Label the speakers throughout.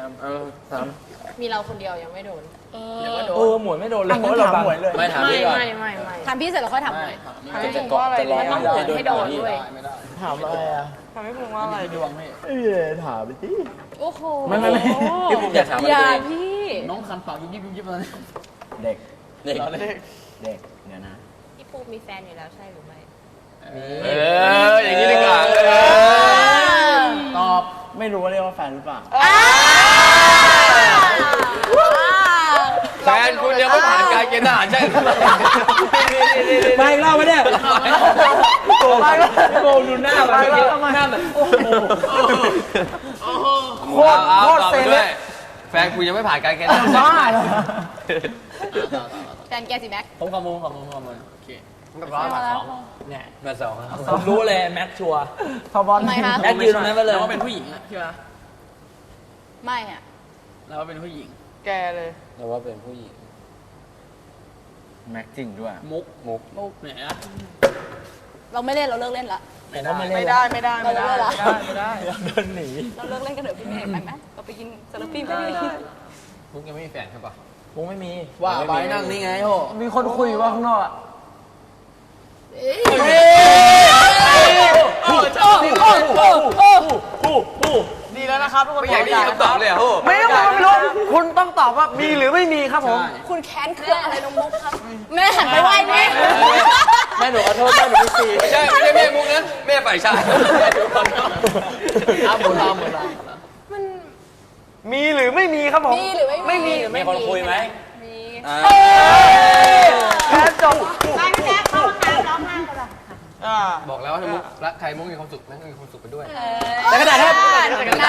Speaker 1: ถาม
Speaker 2: มีเราคนเดียวยังไม่โดน
Speaker 1: หมวยไม่โดนเลยเพราะเราถามหมวยเลยไม่ถามพี่ก่อน
Speaker 2: ไม่ถามพี่เสร็จแล้วค่อยถามหมวย
Speaker 1: จะเกาะจะรอ
Speaker 2: มันต้องโดนให้โดนด้วย
Speaker 1: ถามอะไรอ่ะ
Speaker 3: ทำให้ผมว่าอะไรดวงพี่
Speaker 1: ถามไปสิ
Speaker 2: โอ้โห
Speaker 1: ไม่พี่ผมอยากถามอะไร
Speaker 2: อย่า
Speaker 1: ตัวเอง
Speaker 2: พี่
Speaker 3: น้องคันปากยิบยิบเลย
Speaker 1: เด็ก
Speaker 3: เด็ก
Speaker 1: เด็กเดี๋ยวนะ
Speaker 2: พี่ปูมีแฟนอยู่แล้วใช่หรือไม่
Speaker 1: อย่างนี้ดีกว่า
Speaker 3: ตอบ
Speaker 1: ไม่รู้ว่าเรียกว่าแฟนหรือเปล่า
Speaker 4: แฟนคุณยังไม่ผ่านการเกณฑ์ทหารใช่ไหม
Speaker 1: ไม่เล่าไม่ได้โกงดูหน้าแบบหน้าแบบโอ้โห
Speaker 4: โคตรเซเลบแฟนคุณยังไม่ผ่านการเกณฑ์ทหาร
Speaker 1: บ้าเหรอ
Speaker 2: แฟนแกสิแม็ก
Speaker 3: ผมขโมยโอเค
Speaker 4: แบบร้อยบาทสองเนี่ยมาสองครับ
Speaker 1: ผมรู้เลยแม็กชัวร์
Speaker 3: พอบอล
Speaker 2: ทำไมคะ
Speaker 1: แม็กยืนตรงนั้นไปเลย
Speaker 3: เราเป็นผู้หญิงอะใช่ไหม
Speaker 2: ไม่อะ
Speaker 3: เราเป็นผู้หญิง
Speaker 5: แกเลย
Speaker 4: เราว่าเป็นผู้หญิง
Speaker 1: แม็กจริงด้วย
Speaker 3: มุกเนี่ยนะ
Speaker 2: เราไม่เล่นเราเลิกเล่นละ
Speaker 5: ไม่ได้ไม่ได้ไม่ได้
Speaker 2: เราเลิกละ
Speaker 3: ไม่ได้
Speaker 1: เดินหนี
Speaker 2: เราเลิกเล่นกันเถอะพี่เมย์ไปไหมเราไปกินซาลาปี้ไปดิ
Speaker 4: มุกยังไม่มีแฟนใช่ปะ
Speaker 1: วงไม่มี
Speaker 3: ว่าไปนั่งนี่ไงโห
Speaker 1: มีคนคุยว่าข้างนอก
Speaker 5: ดีแล้วนะครับทุกคน
Speaker 4: ไม่อยากได้ยินคำตอบเลยอ่ะโห
Speaker 5: ไม่รู้คุณต้องตอบว่ามีหรือไม่มีครับผม
Speaker 2: คุณแค้นเครื่องอะไรน้องมุกครับแม่หันไปไหว้แม่
Speaker 1: แม่หนูขอโทษแม่หนูไม่ซี
Speaker 4: ไม่ใช่แม่มุกนะแม่ฝ่ายชาย
Speaker 3: หมดเรา
Speaker 5: มีหรือไม่มีครับผม
Speaker 2: มีหรือไม่มี
Speaker 1: มีคนคุยไหม
Speaker 2: มี
Speaker 5: แค่จบ
Speaker 2: ไปพี่แจ๊คเข้าห้องน้ำร้องไห้กันละ
Speaker 4: บอกแล้วถ้ามุกรักใครมุกมีความสุขแม่ก็มีความสุขไปด้วย
Speaker 1: แต่กระดาษครับ
Speaker 2: น้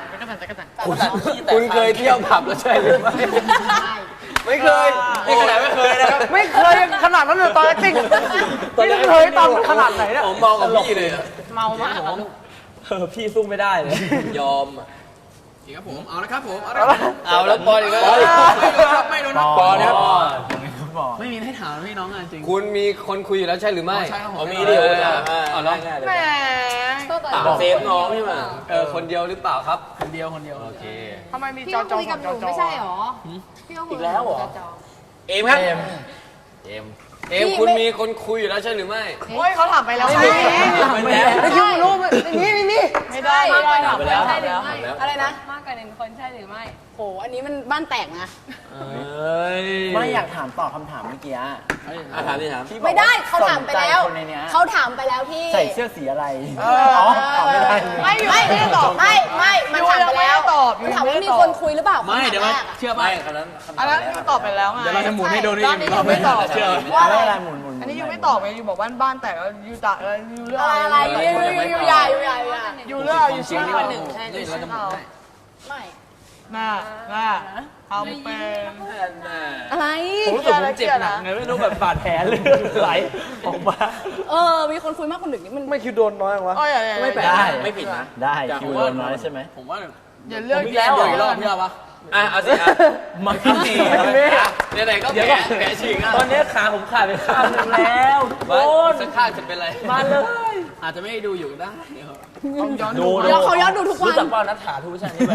Speaker 4: คุณเคยเที่ยวผับแล้วใช่หรือไม่ไม่เคยนี่ขนาดไม่เคยนะครับ
Speaker 5: ไม่เคยขนาดนั้นเลยตอนจริงไม่เคยตอนขนาดไหนเนี่ย
Speaker 4: ผมเมากับพี่เลย
Speaker 2: เมามาก
Speaker 1: พี่สู้ไม่ได้เลย
Speaker 4: ยอม
Speaker 3: ครับผมเอาละครับผมเอาละครับ
Speaker 4: เอาแล้วปอนอีกแล้ว
Speaker 3: ไม่โดน
Speaker 1: ปอนครับ
Speaker 3: ไม่มีให้ถามพี่น้องจริง
Speaker 4: คุณมีคนคุยอยู่แล้วใช่หรือไม่
Speaker 3: ใช่ครับผม
Speaker 4: มีเดียวเอาแล้ว
Speaker 5: แหม
Speaker 4: เซฟน้องใช่ไหมคนเดียวหรือเปล่าครับ
Speaker 3: คนเดียว
Speaker 4: โอเค
Speaker 5: ทำไมมี
Speaker 2: พี่
Speaker 5: จอ
Speaker 2: ก็
Speaker 5: จอ
Speaker 2: คุยกับหนู
Speaker 5: จอ
Speaker 2: ไม่ใช่หรอพี่ก็คุย
Speaker 1: อีกแล้วเหรอ
Speaker 4: เอมครับเอมคุณมีคนคุยอยู่แล้วใช่หรือไม่
Speaker 5: โอ้ยเขาถามไปแล้ว
Speaker 1: ไม่มีไม่ได้
Speaker 5: ไม่คิดว่ารู้ไม่ได้
Speaker 2: มากกว่าหนึ่ง
Speaker 1: ไป
Speaker 2: คน
Speaker 1: แล้ว
Speaker 2: ใช่หรือไม่
Speaker 4: แล้ว
Speaker 2: อะไรนะมากกว่าหนึ่งคนใช่หรือไม่โหอันนี้มันบ้านแตกนะ
Speaker 1: ไม่อยากถามตอบคำถามเมื่อกี้
Speaker 4: ถามดิถาม
Speaker 2: ไม่ได้เขาถามไปแล้ว
Speaker 1: คนในนี้
Speaker 2: เขาถามไปแล้วพี่
Speaker 1: ใส่เสื้อสีอะไรอ๋อตอบไม่ได้
Speaker 2: ไม่ตอบไม่มันถามไปแล้วมันถามว่ามีคนคุยหรือเปล่า
Speaker 3: ไม่เดี๋ยวมาเชื่อป่ะ
Speaker 4: ไม่คนนั้น
Speaker 5: อันนั้นยูตอบไปแล้วไง
Speaker 3: เดี๋ยวเราจะหมุนให้ดูนี่
Speaker 5: ตอนนี้ยูไม่ตอบ
Speaker 3: เชื่อ
Speaker 1: ว่าอะไรหมุน
Speaker 5: อันนี้ยูไม่ตอบไงยูบอกบ้านแตกแล้วยูตะยูเรื่อง
Speaker 2: อะไรอยู่ใหญ่
Speaker 5: ยูเรื่องยูชื่อ
Speaker 2: คนหนึ่งใช่
Speaker 3: นี่เราจะหมุนให้
Speaker 2: ไม่
Speaker 5: หน้าทำเป็น
Speaker 2: อะไร
Speaker 1: ผมรู้สึกผมเจ็บหนักไงไม่รู้แบบบาดแผลเลยไหลออกมา
Speaker 2: มีคนคุยมากคนหนึ่งนี่มัน
Speaker 1: ไม่คิวโดนน้อยวะ
Speaker 5: โอ้ย
Speaker 1: ไม่แปลกได้ไม่ผิดนะได้คิวโดนน้อยใช่ไหม
Speaker 3: ผมว่า
Speaker 5: อย่าเลือก
Speaker 3: อีกแล้วอีกรอบพี่เอาปะ
Speaker 4: เอาสิ
Speaker 1: มาคิดดี
Speaker 4: ไหนๆก็แผลฉีกอ่ะ
Speaker 1: ตอนนี้ขาผมขาดไปข้างนึงแล้ว
Speaker 4: สักข้างจะเป็นไร
Speaker 1: มาเลย
Speaker 3: อาจจะไม่ได้ดูอยู่ได้
Speaker 1: ดู
Speaker 2: เขาย้อนดูทุกวัน
Speaker 1: รู้จักว่านัทถาทุกวิชานี้ไป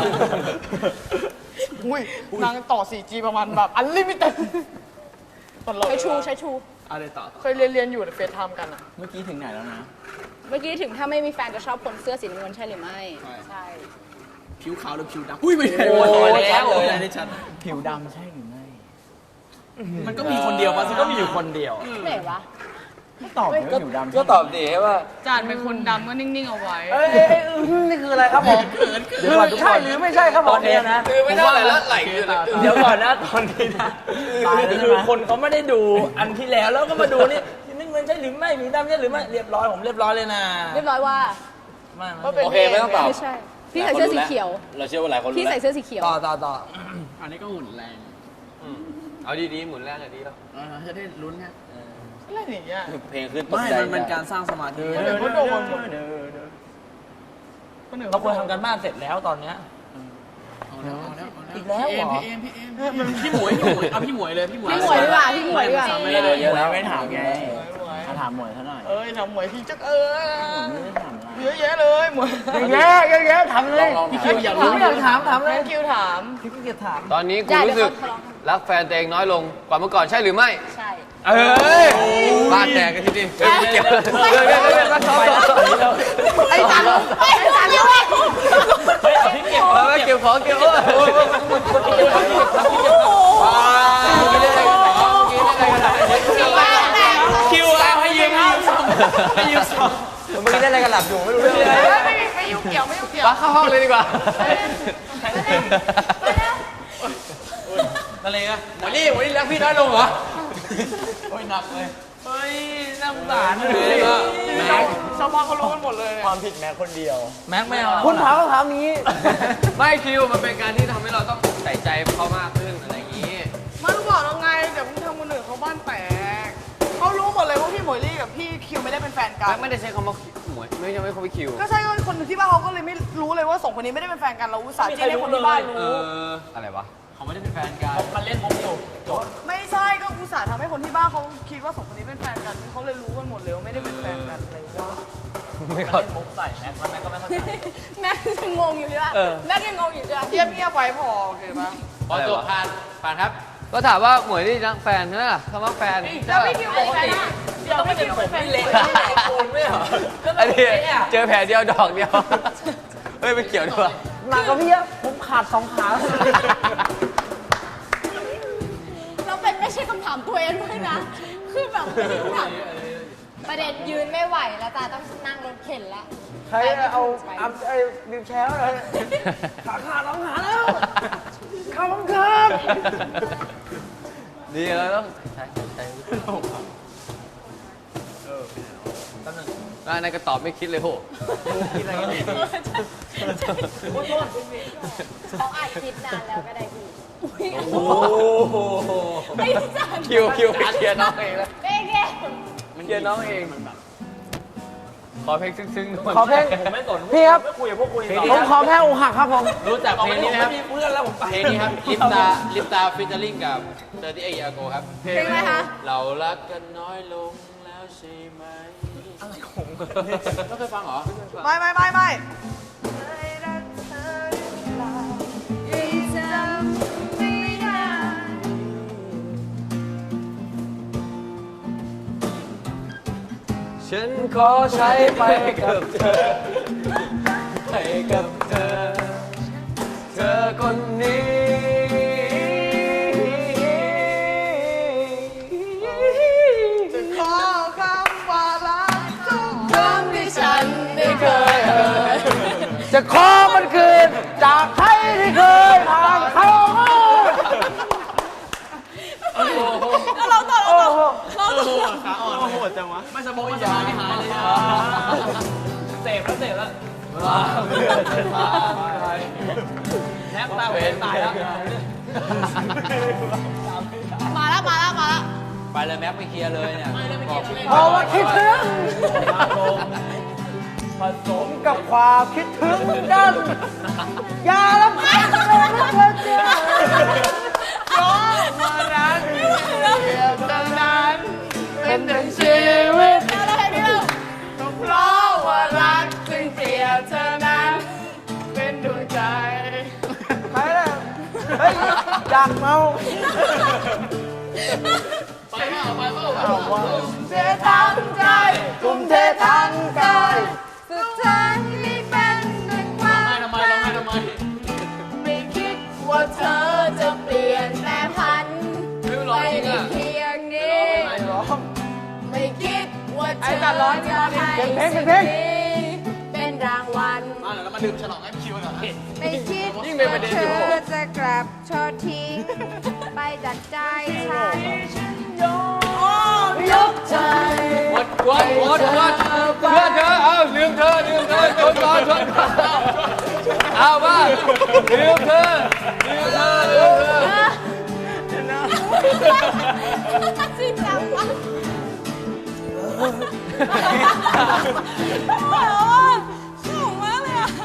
Speaker 5: อุ้ยนางต่อ 4G ประมาณแบบอันลิมิเต็ดตลก
Speaker 2: ใช้ชู
Speaker 3: อะไรต่อ
Speaker 5: เคยเรียนอยู่ในเฟซไทม์กันอ่ะ
Speaker 1: เมื่อกี้ถึงไหนแล้วนะ
Speaker 2: เมื่อกี้ถึงถ้าไม่มีแฟนจะชอบคนเสื้อสีน้ำเงินใช่หรือไม่ใช่
Speaker 3: ผิวขาวหรือผิวดำอุ้ยไม่ใช่
Speaker 1: โอ้ย
Speaker 3: แล้วได้ชัด
Speaker 1: ผิวดำใช่หรือไม่
Speaker 3: มันก็มีคนเดียวมันก็มีอยู่คนเดียว
Speaker 2: ไหนวะ
Speaker 1: ตอบเลยว่าผิวดำ
Speaker 4: ก็ตอบดีว่า
Speaker 5: จานเป็นคนดำก็นิ่งๆเอาไว้
Speaker 1: นี่คืออะไรครับผมเดี๋ยวก่อนทุกคน
Speaker 5: ใช่หรือไม่ใช่ครับผม
Speaker 1: ตอนนี้นะ
Speaker 4: คือไม่เท่าไหร่แล้วไหลคือ
Speaker 1: เดี๋ยวก่อนนะตอนนี้นะคือคนเขาไม่ได้ดูอันที่แล้วแล้วก็มาดูนี่นี่เงินใช่หรือไม่มีดำใช่หรือไม่เรียบร้อยผมเรียบร้อยเลยนะ
Speaker 2: เรียบร้อยว่า
Speaker 1: ไม่
Speaker 4: โอเคไม่ต้องตอบ
Speaker 2: ไม่ใช่ พี่ใส่เสื้อสีเขียว
Speaker 4: เราเชื่อว่าหลายคนรู้
Speaker 2: พี่
Speaker 4: แล้
Speaker 2: ใส่
Speaker 4: ว
Speaker 2: เสื้อสีเขียว
Speaker 3: ต่ออันนี้ก็หุ่นแรง
Speaker 4: เอาดีๆหมุนแรกเลยดีแล้ว
Speaker 3: จะได้ลุ้นไง
Speaker 5: อะไรอย่างเงี้ย
Speaker 4: เพลงขึ้นตก
Speaker 3: ไม่
Speaker 4: ใจ
Speaker 3: มันเป็นการสร้างสมาธิ
Speaker 1: เราควรทำกันบ้านเสร็จแล้วตอนเนี้ย อีกแล้วเหรอ
Speaker 3: พี่เอ็มพี่หมวยเอาพี่หมวยเลยพี่หมวย
Speaker 2: พี่หมวยดีกว่าพี่หมวยดีกว่า
Speaker 4: ไม่เลยเยอะแล้ว
Speaker 1: ไม่ถามไงถามหมวยเท่าไหร่
Speaker 5: ทำหมวยพี่จัก
Speaker 1: ไม่ได้ถามอะไร
Speaker 5: เยอะแยะเลยหมด
Speaker 4: เยอะถามเลย
Speaker 3: พี่คิวอยากรู้
Speaker 4: ไม่อยากถามเลย
Speaker 5: คิวถาม
Speaker 4: พี่เกียรถาม
Speaker 6: ตอนนี้คุณรู้สึกรักแฟนตัวเองน้อยลงกว่าเมื่อก่อนใช่หรือไม่
Speaker 2: ใช่
Speaker 6: เอ้ยบ้าแตกกันทีนี้ไม่เกี่ยวเลยมาซ้อม
Speaker 5: ไอ้จัน
Speaker 2: ไม่จันเลย
Speaker 1: เฮ้ยพี่เก็บ
Speaker 6: มาเกี่ยวของเกี่ยว
Speaker 1: คิวเอาให้ยืมให้ยืมสอง
Speaker 4: เมื่อกี้ได้อะไรกันหลับอยู่ไม่รู้เรื่องอะไร
Speaker 5: ไม่ยุ่งเกี่ยวไม่ยุ่งเกี่ยว
Speaker 6: มาเข้าห้องเลยดีกว่า
Speaker 1: อะไรกัน
Speaker 6: วันนี้รักพี่น้อยลงเหรอ
Speaker 1: โอ้ยหนักเลยเฮ้ยน่าสงสารเลย
Speaker 5: ชาวบ้านเขารู้กันหมดเลยเนี่ย
Speaker 1: ความผิดแม็กคนเดียวแม็กไม่เอา
Speaker 4: คุณถามคำถามนี้
Speaker 6: ไม่คิวมันเป็นการที่ทำให้เราต้องใส่ใจเขามากขึ้นอะไรอย่างนี้
Speaker 5: ไม่รู้บอกแล้วไงเดี๋ยวมึงทำคนอื่นเขาบ้านแตกเขารู้หมดเลยว่าพี่หมวยลี่กับพี่คิวไม่ได้เป็นแฟนกัน
Speaker 6: ไม่ได้ใช้คำว่าหมวยไม่ใช่ไม่คำว่าคิว
Speaker 5: ก็ใช่ก็คนที่บ้านเขาก็เลยไม่รู้เลยว่าสองคนนี้ไม่ได้เป็นแฟนกันเราอุตส่าห์จี้ให้คนที่บ้านรู้
Speaker 6: อะไรวะ
Speaker 3: เขาไม่ได้เป็นแฟนกัน
Speaker 1: มันเล่นมุกอยู่จบ
Speaker 5: ไม่ใช่ก็อุตส่าห์ทำให้คนที่บ้านเขาคิดว่าสองคนนี้เป็นแฟนกันเขาเลยรู้กันหมดเลยว่าไม่ได้เป็นแฟนกันอะไรอย่างเงี้ย
Speaker 6: ไม่เข้า
Speaker 1: เล่นมุกใส่แม็กมันแม็กก็ไม่เข้าใจ
Speaker 2: แม่ยังงงอยู่ใช่ปะแม่ยังงงอยู่ใช่ปะ
Speaker 5: เงียบๆไว้พอโอเคปะ
Speaker 3: พอจบผ่านครับ
Speaker 6: ก็ถามว่าหมวยนี่รักแฟนใช่ไหมล่ะคำว่าแฟน
Speaker 5: แล้วพี่คิวเป็นแฟนอะเดี๋ยวพี่คิวเป็นแฟน
Speaker 1: เละคูณไม่เหรอ
Speaker 6: อันนี้เจอแผลเดียวดอกเดียวเฮ้ยไม่เกี่ยวด้วย
Speaker 4: หนักกับพี่อะผมขาด2 ขา
Speaker 2: เราเป็นไม่ใช่คำถามตัวเองด้วยนะ คือแบบไม่ได้ถามประเด็นยืนไม่ไหวแล้วจ้าต้องนั่งรถเข็นแล้ว
Speaker 4: ใครเอาไอ้วิวแชร์เลยขาขาด2 ขาแล้วข้าวมันครับ
Speaker 6: ดีแล้วต้องใช่นายก็ตอบไม่คิดเลยโห
Speaker 2: เขาอัดคลิปนานแล้วก็ได้พี่
Speaker 1: โอ้โห
Speaker 2: ไม่จัน
Speaker 6: คิวเคลียร์น้องเองแล้ว
Speaker 2: เบ้เก้
Speaker 6: เคลียร์น้องเองขอเพลงซึ้งๆหน่อย
Speaker 4: ขอเพลง
Speaker 1: ผมไม่สน
Speaker 4: พี่ครับ
Speaker 1: ไม่คุยกับพวกคุย
Speaker 4: ผมขอแพ้อกหักครับผม
Speaker 3: รู้จักเพลงนี้ไหมครับ
Speaker 1: มีเพื่อนแล้วผมไป
Speaker 3: เพลงนี้ครับลิปตาฟิชเจอริงกับ38 years ago ครับ
Speaker 2: เพลงอะไรคะ
Speaker 3: เรารักกันน้อยลงแล้วใช่ไหมอะไรของไม่เคยฟังเหรอ
Speaker 5: ไม่
Speaker 6: ฉันขอใช้ไปกับเธอไปกับเธอ เธอคนนี้
Speaker 5: ขอคำว่ารักทุกคำที่ฉันได้เคย
Speaker 4: จะขอมันคืนจากใครที่เคยผ่านเขา
Speaker 2: ก็เราต่อเราต่อเราต่อ
Speaker 1: ขาอ่อนโหดจังวะไม่สมองไม่สบายไม่หายเลยเสพแล้วแนบตาเป็นตายแล้ว
Speaker 2: มาแล้ว
Speaker 3: ไปเลยแม็กไปเคลียร์เลยเนี่ยบอก
Speaker 4: เพราะว่าคิดถึง
Speaker 1: ผสม
Speaker 4: กับความคิดถึงกัน อย่าลำคาญเลยนะเธอเจ้า
Speaker 5: เป็นหนึ่งชีวิต
Speaker 2: แล้วเพลงนี้เรา
Speaker 5: เพราะว่ารักจึงเปรียบเธอนั้น เป็นดวงใจ
Speaker 4: ไปเลยเฮ้ยอยากเมา
Speaker 5: เสียทั้งใจ
Speaker 4: ทุ่มเททั้งกาย
Speaker 2: สุดท้ายไม่เป็นดังความ
Speaker 3: ทำไมร้องไห้ทำไม
Speaker 5: ไม่คิดว่า
Speaker 2: ว่าเธอจะเปลี่ยนแปลพัน
Speaker 6: ไม่ร้อง
Speaker 2: ไป
Speaker 6: จริง
Speaker 2: ได้
Speaker 6: อ่ะ
Speaker 2: เพียงนี้ ไม่คิดว่าเธอจะให้สิ่งนี้เป็นรางวัล
Speaker 3: แล้วมาดื่มฉลองให้คิวก่อน
Speaker 2: ไม่คิด
Speaker 6: ยิ่งเป็นประเด็นอยู่
Speaker 2: ว่าเธอจะกลับทอดทิ้ง ไปจากใจฉันยกใจ
Speaker 6: หมดเพื่อนเธอเอาลืมเธอชนก่อนเอาว่าลืมเธอ
Speaker 2: จริงจังวะสูงมากเลยอ่ะ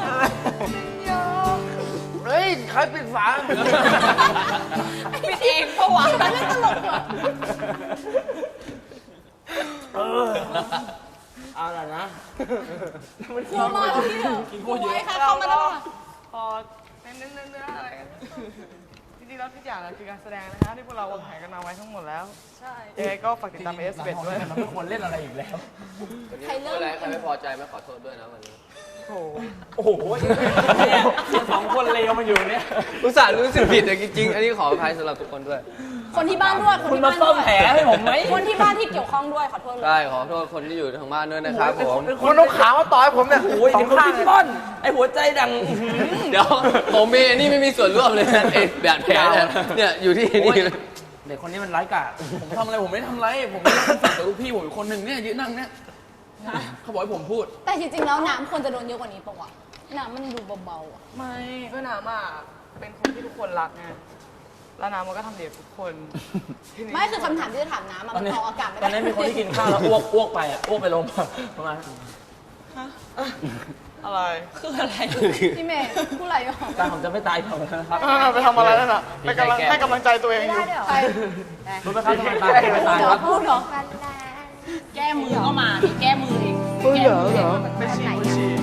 Speaker 4: เฮ้ย ใครปิดฝา
Speaker 2: ปิดเองปะวะมันเล่นตลกเหรอ
Speaker 1: เอาล่ะนะ
Speaker 2: ครูมาแล้วพี่เถอะครูไว้ค่ะเข้ามาแล้วค่ะ
Speaker 5: พอเนื้ออะไรกันจริงๆแล้วทุกอย่างคือการแสดงนะคะที่พวกเราวางแผนกันมาไว้ทั้งหมดแล้วใช่ยังไงก็ฝากติดตามS11ด้วย
Speaker 1: เราไม่ควรเล่นอะไรอีกแล้ว
Speaker 2: ใครเริ่ม
Speaker 3: ใครไม่พอใจไม่ขอโทษด้วยนะวันนี้
Speaker 5: โอ้โห
Speaker 1: โอ้โหเนี่ยสองคนเลวมาอยู่เนี่ย
Speaker 6: อุตส่าห์รู้สึกผิดแต่จริงๆ อันนี้ขออภัยสำหรับทุกคนด้วย
Speaker 2: คนที่บ้านด้วย
Speaker 1: คุณมาซ่อมแผลให้ผมไหม
Speaker 2: คนที่บ้านที่เกี่ยวข้องด้วยขอโทษเลย
Speaker 6: ได้ขอโทษคนที่อยู่ทางบ้านด้วยนะครับผม
Speaker 4: คนเอาขามาต่อยผมเนี่ย
Speaker 1: โอ้ย
Speaker 4: สอ
Speaker 1: เดี๋ย
Speaker 4: ง
Speaker 1: วคุณ
Speaker 4: ข้าง
Speaker 1: พี่ป้อน ไอหัวใจดัง
Speaker 6: เดี๋ยวผมมีอันนี้ไม่มีส่วนร่วมเลยนะไอ้แบบแผลเนี่ยอยู่ที่นี่เลย
Speaker 1: เด็กคนนี้มันไร้กาจผมทำอะไรผมไม่ทำอะไร ผมไม่ได้ทำแต่ลูกพี่ผมอีกคนหนึ่งเนี่ยยืนนั่งเนี่ยเขาบอกให้ผมพูด
Speaker 2: แต่จริงๆแล้วน้ำควรจะโดนเยอะกว่านี้ปะวะน้ำมันดูเบาๆอ่ะ
Speaker 5: ไม่ก็น้ำอ่ะเป็นคนที่ทุกคนรักไงแล้วน้ำมันก็ทำดีกับทุกคนทีนี้
Speaker 2: ไม่คือคำถามที่จะถามน้ำอะ
Speaker 1: ตอ
Speaker 2: มัน น
Speaker 1: นี้
Speaker 2: ออกอากาศไม่
Speaker 1: ตอน
Speaker 2: ได้
Speaker 1: นี้มีคนที่กินข้าวแล้วอ้วกไปอ่ะอ้วกไปลงประมาณ
Speaker 5: อะไร
Speaker 1: คืออะไร
Speaker 2: พี่เมย์พูดอะไรอ่ะ
Speaker 1: ตาผมจะไม่ตายก่อนนะครับ
Speaker 5: ไปทำอะไรนั่นน่ะไปกำลังให้กำลังใจตัวเองอยู่
Speaker 2: ใคร
Speaker 1: รู้ไหมครับทำไมตายไม่ตาย
Speaker 2: เหร
Speaker 1: ค
Speaker 2: อ
Speaker 1: รับ
Speaker 2: พูดเหรอ
Speaker 7: แก้มือก็มาดิแก้มือดิ
Speaker 5: ไม่ฉี่ไม่ฉี่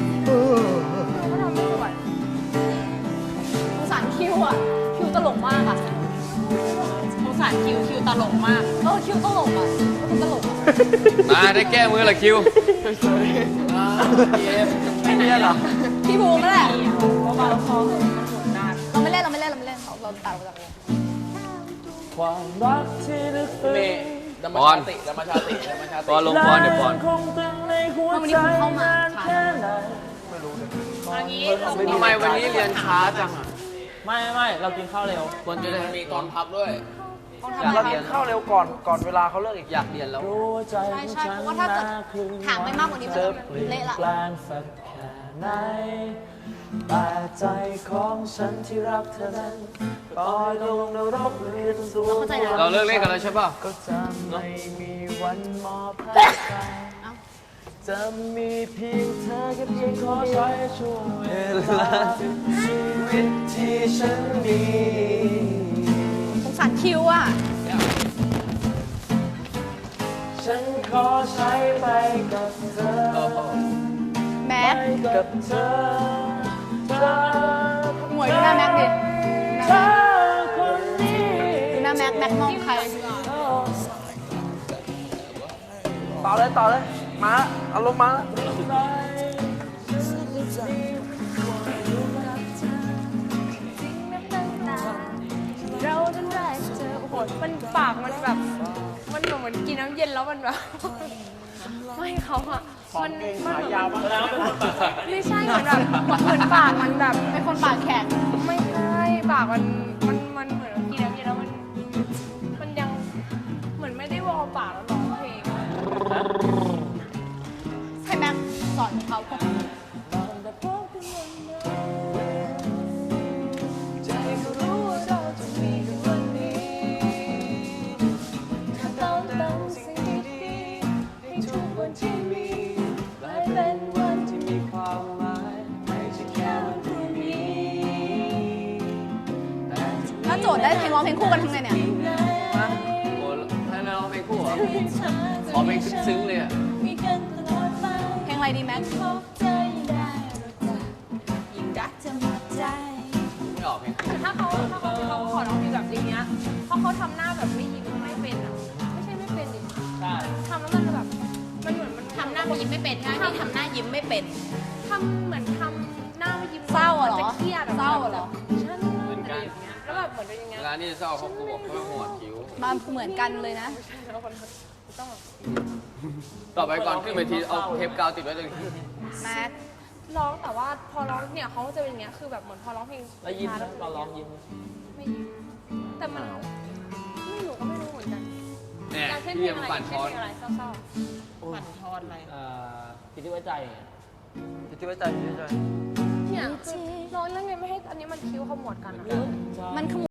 Speaker 2: สงสารคิวอ่ะ คิวตลกมากอ่ะ
Speaker 7: สงสารคิวตลกมาก
Speaker 2: คิวตลกอ่ะเป็นตลกอ่ะ
Speaker 6: มาได้แก้มือละคิว
Speaker 1: ไม่เนี่ยเหรอ
Speaker 2: พี่บูมนั่นแหละ
Speaker 7: เบาๆคอเหอะมันหมุนนาน
Speaker 2: เราไม่เล่นเราตัดออกจากวง
Speaker 1: ความรักที่ลึกซึ้ง
Speaker 3: ธรรมชาติธรรมชาติธรรมชาติ
Speaker 6: ปอนลงปอนเดี๋ยวปอน
Speaker 1: คงตึงในหัว
Speaker 2: วัน
Speaker 1: ใจ
Speaker 2: นี้คุณเข้ามา
Speaker 1: แค่ไหน
Speaker 7: เอางี้
Speaker 3: ทำไมวันนี้เรียนช้าจังอ่ะ
Speaker 1: ไม่เรากินข้าวเร็ว
Speaker 3: ควรจะได้มีตอนพักด้วย
Speaker 2: ต้องทำอะไร
Speaker 4: เรา
Speaker 2: คะ
Speaker 4: กินข้าวเร็วก่อนเวลาเขาเลิกอีก
Speaker 3: อยากเรียนแล้ว
Speaker 1: รู้ว่าใจ
Speaker 2: ใช่
Speaker 1: ของ
Speaker 2: ใช่
Speaker 1: ฉัน
Speaker 2: เพราะว่าถ้าเกิด
Speaker 1: น่คลึง
Speaker 2: ถามไปมากกว่านี้มัน
Speaker 1: จะ
Speaker 2: จะ
Speaker 1: เปลี่ยน
Speaker 2: เละละ
Speaker 1: แปลงสักแค่ไหนแต่ใจของฉันที่รักเธอนั้นปล่อยลงนรกเรียนสูง
Speaker 2: เข้าใจนะ
Speaker 6: เราเลิกเล่นกันแล้วใช่ป่ะ
Speaker 1: ก็จะไม่มีวันมอบให้ใครจะมีเพียงเธอแค่เพียงขอใช้ช่วงเวลาชีวิตที่ฉันมี
Speaker 2: สงสารคิวอ่ะ
Speaker 1: ฉันขอใช้ไปกับเธอ
Speaker 2: แม็ก
Speaker 1: ไปกับเธอเธอ
Speaker 2: หมวยดูหน้าแม็กดิ
Speaker 1: เธอคนนี้
Speaker 2: ดูหน้าแม็กมองใคร
Speaker 4: ต่อเลยมาอารมณ์มา
Speaker 5: เราจนได้เจอโอ้โหมันปากมันแบบมันเหมือนกินน้ำเย็นแล้วมันแบบไม่เขาอะมันยาวมากไม่ใช่เหมือนแบบเหมือนปากมันแบบ
Speaker 2: เป็นคนปากแข็ง
Speaker 5: ไม่ใช่ปากมันเหมือนกินน้ำเย็นแล้วมันยังเหมือนไม่ได้วอลปากแล้วร้องเพลง
Speaker 2: ให้แม็กสอนเขา
Speaker 5: ใจก็รู้ว่าเราจะมีกันวันนี้ถ้าต้องเติมสิ่งดีๆให้ทุกวันที่มีกลายเป็นวันที่มีความหมายไม่ใช่แค่วันพรุ่งนี้
Speaker 2: ถ้าโจทย์ได้เพลงร้องเพลงคู่กันทั้งไงเนี่ย
Speaker 6: โอ้ให้เราเพลงคู่เหรอขอเพลงซึ้งๆเลยอ่ะ
Speaker 5: มีกันตลอดไป
Speaker 2: เพลงอะไรดีแม็ก
Speaker 5: พบเธอยิ่งได้รักยิ่งรักเธอหมดใจ
Speaker 6: ไม่ออกเพลงคู่
Speaker 5: ถ้าเขาขอร้องเพลงแบบนี้เนี้ยเพราะเขาทำหน้าแบบไม่ยิ้มไม่เป็นอ่ะไม่ใช่ไม่เป็นดิ
Speaker 1: ใช่
Speaker 5: ทำแล้วมันแบบมันเหมือนมัน
Speaker 7: ทำหน้ายิ้มไม่เป็นใช่ไหมทำหน้ายิ้มไม่เป็น
Speaker 5: ทำเหมือนทำหน้าไม่ยิ้ม
Speaker 2: เศร้าอะเหรอ
Speaker 5: จะเครียดอะ
Speaker 2: เศร้าอะเหรอ
Speaker 5: ฉันอะไรอย่างเงี้ยแล้วแบบเหมือนเป็นอย่างเงี้
Speaker 6: เวย ลานี่เศร้าเขากลัวเขาหัวคิ้ว
Speaker 2: มาเหมือนกันเลยนะ
Speaker 5: แล้วคนต้องแบบ
Speaker 6: ต่อไปก่อนขึ้นเวทีเอาเทปกาวติดไว้เลย
Speaker 2: แม็ก
Speaker 5: ร้องแต่ว่าพอร้องเนี่ยเขาจะเป็นอย่างเงี้ยคือแบบเหมือนพอร้องเพลง
Speaker 1: แล้วยิ้มนะตอนร้องยิ้ม
Speaker 5: ไม่ยิ้มแต่มันไม่รู้ก็ไม่รู้เหมือนกัน
Speaker 6: เนี่ย
Speaker 5: อยากเช่นเพ
Speaker 6: พี่
Speaker 5: ลง
Speaker 6: ยัง
Speaker 5: อะไร
Speaker 6: ปั่นค
Speaker 5: เช่น
Speaker 6: อ
Speaker 5: เพ
Speaker 6: น
Speaker 5: ลงอะไรเศร้า
Speaker 7: ปั่นทอนอะไร
Speaker 1: คิดที่ไว้ใจ
Speaker 4: ที่ไว้ใจ
Speaker 5: ๆเนี่ยคือร้องแล้วไงไม่ให้อันนี้มันคิ้วขมวดกันอะ
Speaker 2: มันขโม